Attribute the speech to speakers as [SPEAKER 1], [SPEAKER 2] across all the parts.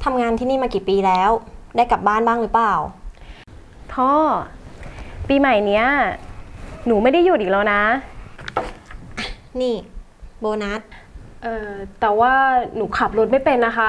[SPEAKER 1] ทำงานที่นี่มากี่ปีแล้วได้กลับบ้านบ้างหรือเปล่า
[SPEAKER 2] พ่อปีใหม่เนี้ยหนูไม่ได้หยุดอีกแล้วนะ
[SPEAKER 1] นี่โบนัส
[SPEAKER 2] แต่ว่าหนูขับรถไม่เป็นนะคะ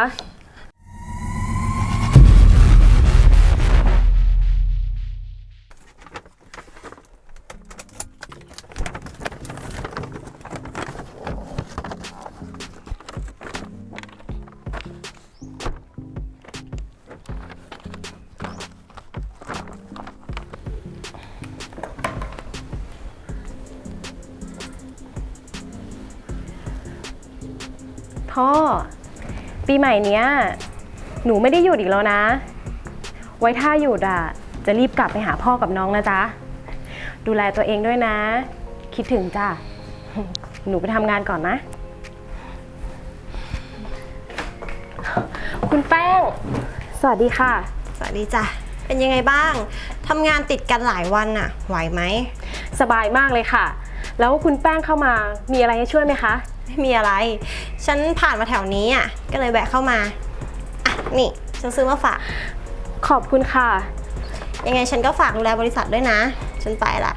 [SPEAKER 2] พ่อปีใหม่เนี้ยหนูไม่ได้หยุดอีกแล้วนะไว้ถ้าหยุดจะรีบกลับไปหาพ่อกับน้องนะจ๊ะดูแลตัวเองด้วยนะคิดถึงจ้ะหนูไปทำงานก่อนนะคุณแป้งสวัสดีค่ะ
[SPEAKER 1] สวัสดีจ้ะเป็นยังไงบ้างทำงานติดกันหลายวันน่ะไหวไหม
[SPEAKER 2] สบายมากเลยค่ะแล้วคุณแป้งเข้ามามีอะไรให้ช่วยไหมคะ
[SPEAKER 1] ไม่มีอะไรฉันผ่านมาแถวนี้ก็เลยแวะเข้ามานี่ฉันซื้อมาฝาก
[SPEAKER 2] ขอบคุณค่ะ
[SPEAKER 1] ยังไงฉันก็ฝากดูแลบริษัทด้วยนะฉันไปละ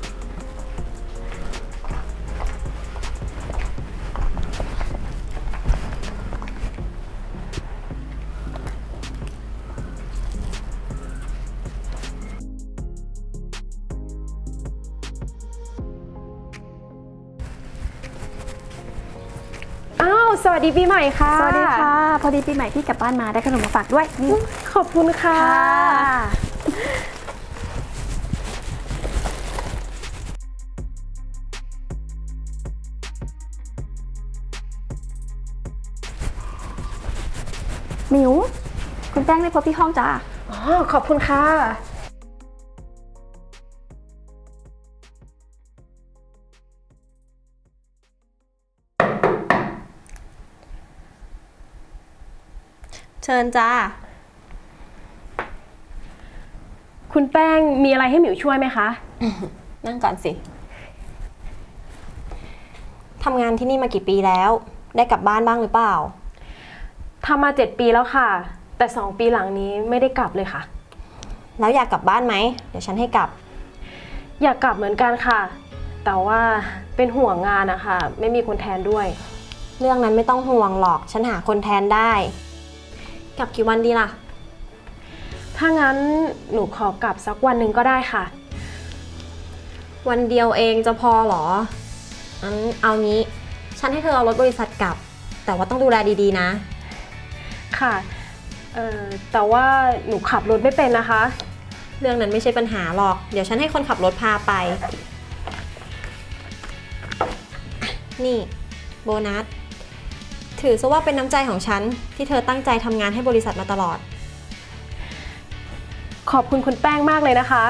[SPEAKER 2] สวัสดีปีใหม่ค่ะ
[SPEAKER 3] สวัสดีค่ะพอดีปีใหม่พี่กลับบ้านมาได้ขนมมาฝากด้วย
[SPEAKER 2] ขอบคุณค่ะ
[SPEAKER 3] หมิวคุณแป้งได้พบที่ห้องจ้า
[SPEAKER 2] ขอบคุณค่ะ
[SPEAKER 1] เชิญจ้า
[SPEAKER 2] คุณแป้งมีอะไรให้หมิวช่วยไหมคะ
[SPEAKER 1] นั่งก่อนสิทำงานที่นี่มากี่ปีแล้วได้กลับบ้านบ้างหรือเปล่า
[SPEAKER 2] ทำมา7 ปีแล้วค่ะแต่2 ปีหลังนี้ไม่ได้กลับเลยค่ะ
[SPEAKER 1] แล้วอยากกลับบ้านไหมเดี๋ยวฉันให้กลับ
[SPEAKER 2] อยากกลับเหมือนกันค่ะแต่ว่าเป็นห่วงงานนะคะไม่มีคนแทนด้วย
[SPEAKER 1] เรื่องนั้นไม่ต้องห่วงหรอกฉันหาคนแทนได้กลับกี่วันดีล่ะ
[SPEAKER 2] ถ้างั้นหนูขอกลับสักวันหนึ่งก็ได้ค่ะ
[SPEAKER 1] วันเดียวเองจะพอหรองั้นเอางี้ฉันให้เธอเอารถบริษัทกลับแต่ว่าต้องดูแลดีๆนะ
[SPEAKER 2] ค่ะแต่ว่าหนูขับรถไม่เป็นนะคะ
[SPEAKER 1] เรื่องนั้นไม่ใช่ปัญหาหรอกเดี๋ยวฉันให้คนขับรถพาไปนี่โบนัสถือซะว่าเป็นน้ำใจของฉันที่เธอตั้งใจทำงานให้บริษัทมาตลอด
[SPEAKER 2] ขอบคุณคุณแป้งมากเลยนะคะ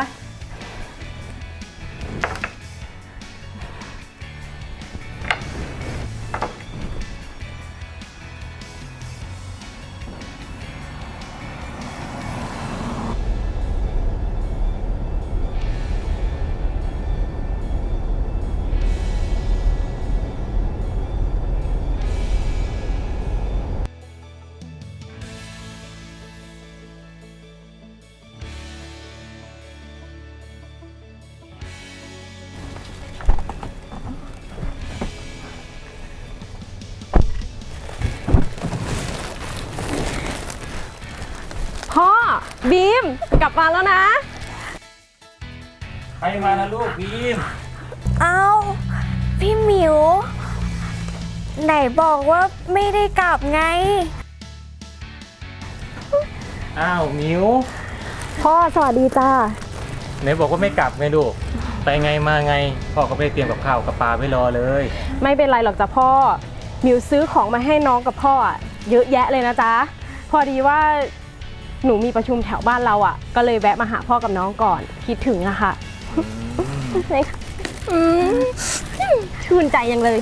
[SPEAKER 2] พ่อบีมกลับมาแล้วนะ
[SPEAKER 4] ใครมานะลูกบีม
[SPEAKER 5] เอาพี่หมิวไหนบอกว่าไม่ได้กลับไง
[SPEAKER 4] อ้าวมิว
[SPEAKER 2] พ่อสวัสดีจ้า
[SPEAKER 4] ไหนบอกว่าไม่กลับไงลูกไปไงมาไงพ่อก็ไม่ได้เตรียมกับข้าวกับปลาไว้รอเลย
[SPEAKER 2] ไม่เป็นไรหรอกจ้ะพ่อมิวซื้อของมาให้น้องกับพ่อเยอะแยะเลยนะจ๊ะพอดีว่าหนูมีประชุมแถวบ้านเราก็เลยแวะมาหาพ่อกับน้องก่อนคิดถึงอะค่ะชื่นใจยังเลย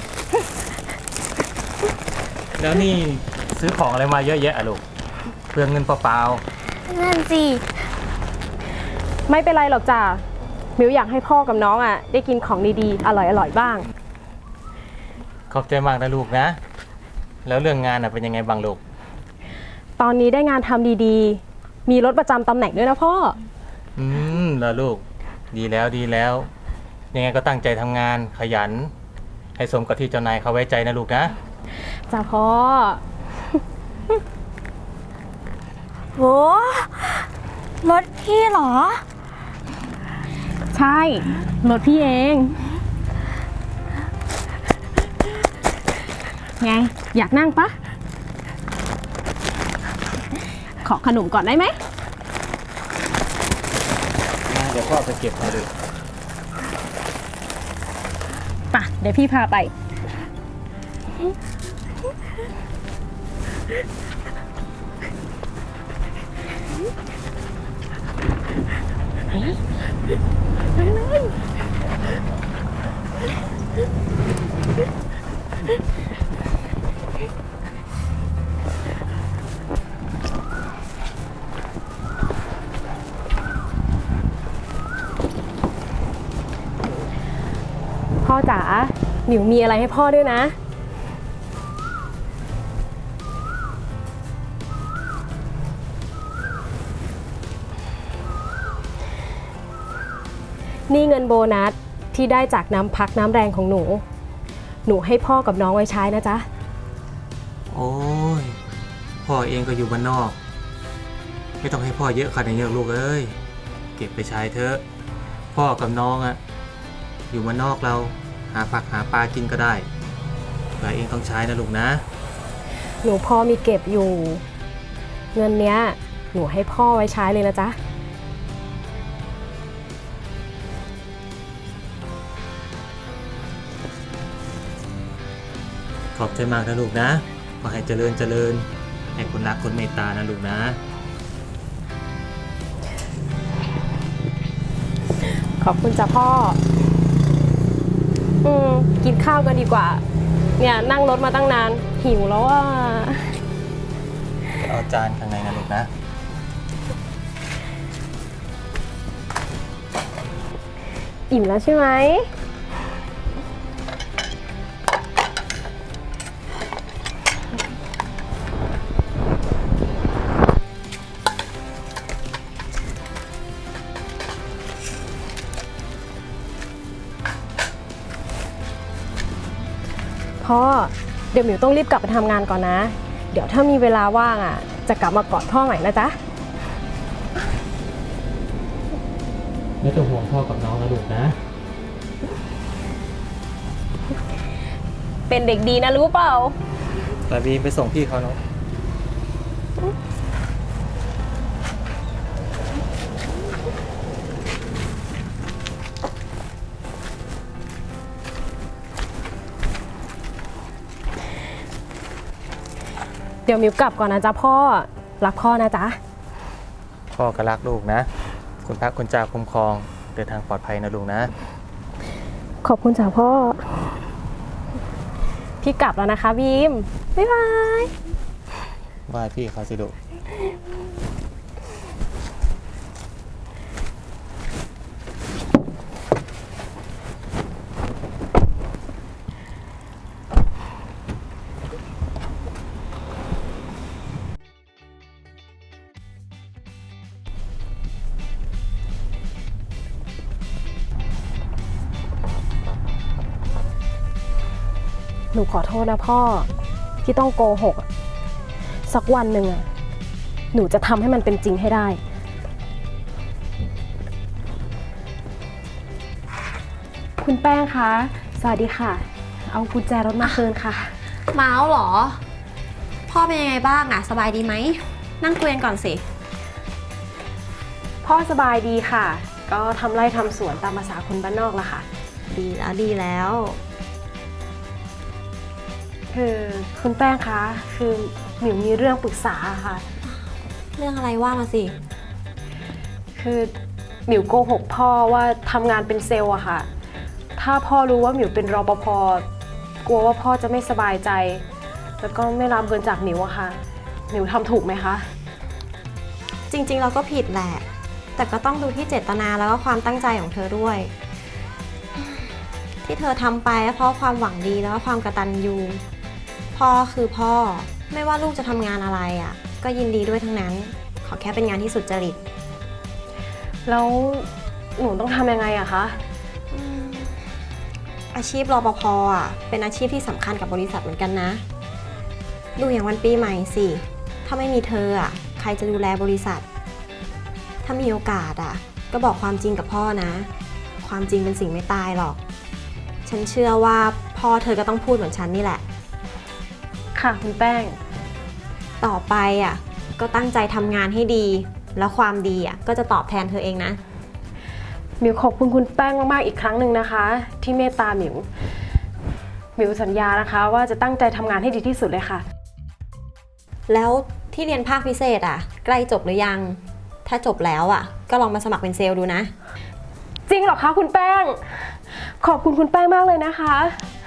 [SPEAKER 4] แล้วนี่ซื้อของอะไรมาเยอะแยะอะลูกเปลืองเงินเปล่า
[SPEAKER 5] ๆนั่นสิ
[SPEAKER 2] ไม่เป็นไรหรอกจ้ะมิวอยากให้พ่อกับน้องได้กินของดีๆอร่อยๆบ้าง
[SPEAKER 4] ขอบใจมากนะลูกนะแล้วเรื่องงานเป็นยังไงบ้างลูก
[SPEAKER 2] ตอนนี้ได้งานทำดีๆ มีรถประจำตำแหน่งด้วยนะพ่อ
[SPEAKER 4] แล้วลูก ดีแล้วดีแล้ว ยังไงก็ตั้งใจทำงานขยัน ให้สมกับที่เจ้านายเขาไว้ใจนะลูกนะ
[SPEAKER 2] จ้าพ่อ
[SPEAKER 5] โห รถพี่เหรอ
[SPEAKER 2] ใช่ รถพี่เอง ไง อยากนั่งปะ ขอขนมก่อนได้ไหม
[SPEAKER 4] เดี๋ยวพ่อไปเก็บให้ดู
[SPEAKER 2] ป่ะ เดี๋ยวพี่พาไป พ่อจ๋าหมิวมีอะไรให้พ่อด้วยนะ นี่เงินโบนัสที่ได้จากน้ำพักน้ำแรงของหนู หนูให้พ่อกับน้องไว้ใช้นะจ๊ะ
[SPEAKER 4] โอ้ย พ่อเองก็อยู่บ้านนอก ไม่ต้องให้พ่อเยอะขนาดนี้หรอกลูกเอ้ย เก็บไปใช้เถอะ พ่อกับน้องอะอยู่บ้านนอกเราหาผักหาปลากินก็ได้แต่เองต้องใช้นะลูกนะ
[SPEAKER 2] หนูพ่อมีเก็บอยู่ เงินเนี้ยหนูให้พ่อไว้ใช้เลยนะจ๊ะ
[SPEAKER 4] ขอบใจมากนะลูกนะ ขอให้เจริญเจริญ ให้คนรักคนเมตตานะลูกนะ
[SPEAKER 2] ขอบคุณจ้ะพ่อ กินข้าวกันดีกว่า เนี่ยนั่งรถมาตั้งนาน หิวแล้วอ่ะ
[SPEAKER 4] เอาจานข้างในนะลูกนะ
[SPEAKER 2] อิ่มแล้วใช่ไหม พ่อ เดี๋ยวหมิวต้องรีบกลับไปทำงานก่อนนะ เดี๋ยวถ้ามีเวลาว่างอ่ะ จะกลับมากอดพ่อใหม่นะจ๊ะ
[SPEAKER 4] ไม่ต้องห่วงพ่อกับน้องนะลูกนะ
[SPEAKER 2] เป็นเด็กดีนะรู้เปล่า
[SPEAKER 4] แต่บีมไปส่งพี่เขาเนาะ
[SPEAKER 2] เดี๋ยวหมิวกลับก่อนนะจ๊ะพ่อ รักพ่อนะจ๊ะ
[SPEAKER 4] พ่อก็รักลูกนะ คุณพระคุณเจ้าคุ้มครอง เดินทางปลอดภัยนะลูกนะ
[SPEAKER 2] ขอบคุณจ้ะพ่อ พี่กลับแล้วนะคะบีม บ๊ายบาย
[SPEAKER 4] ว่าพี่เขาสิลูก
[SPEAKER 2] หนูขอโทษนะพ่อ ที่ต้องโกหกอะสักวันหนึ่งอะหนูจะทำให้มันเป็นจริงให้ได้ คุณแป้งคะ สวัสดีค่ะ เอากุญแจรถมาคืนค่ะ
[SPEAKER 1] เมาส์เหรอ พ่อเป็นยังไงบ้างอะสบายดีไหม นั่งคุยกันก่อนสิ
[SPEAKER 2] พ่อสบายดีค่ะ ก็ทำไร่ทำสวนตามภาษาคนบ้านนอกละค่ะ
[SPEAKER 1] ดีแล้วดีแล้ว
[SPEAKER 2] คือคุณแป้งคะ คือหมิวมีเรื่องปรึกษาค่ะ
[SPEAKER 1] เรื่องอะไรว่ามาสิ
[SPEAKER 2] คือหมิวโกหกพ่อว่าทำงานเป็นเซลล์อะค่ะ ถ้าพ่อรู้ว่าหมิวเป็นรปภ กลัวว่าพ่อจะไม่สบายใจ แล้วก็ไม่รับเงินจากหมิวอะค่ะ หมิวทำถูกไหมคะ
[SPEAKER 1] จริงๆเราก็ผิดแหละ แต่ก็ต้องดูที่เจตนาแล้วก็ความตั้งใจของเธอด้วย ที่เธอทำไปเพราะความหวังดีแล้วก็ความกตัญญูพ่อคือพ่อ ไม่ว่าลูกจะทำงานอะไรอะก็ยินดีด้วยทั้งนั้น ขอแค่เป็นงานที่สุจริต
[SPEAKER 2] แล้วหนูต้องทำยังไงอะคะ
[SPEAKER 1] อาชีพรปภอ่ะเป็นอาชีพที่สำคัญกับบริษัทเหมือนกันนะ ดูอย่างวันปีใหม่สิ ถ้าไม่มีเธออ่ะใครจะดูแลบริษัท ถ้ามีโอกาสอ่ะก็บอกความจริงกับพ่อนะ ความจริงเป็นสิ่งไม่ตายหรอก ฉันเชื่อว่าพ่อเธอก็ต้องพูดเหมือนฉันนี่แหละ
[SPEAKER 2] ค่ะคุณแป้ง
[SPEAKER 1] ต่อไปอ่ะก็ตั้งใจทำงานให้ดี แล้วความดีอ่ะก็จะตอบแทนเธอเองนะ
[SPEAKER 2] หมิวขอบคุณคุณแป้งมากๆอีกครั้งหนึ่งนะคะ ที่เมตตาหมิว หมิวสัญญานะคะว่าจะตั้งใจทำงานให้ดีที่สุดเลยค่ะ
[SPEAKER 1] แล้วที่เรียนภาคพิเศษอ่ะใกล้จบหรือยัง ถ้าจบแล้วอ่ะก็ลองมาสมัครเป็นเซลล์ดูนะ
[SPEAKER 2] จริงเหรอคะคุณแป้ง ขอบคุณคุณแป้งมากเลยนะคะ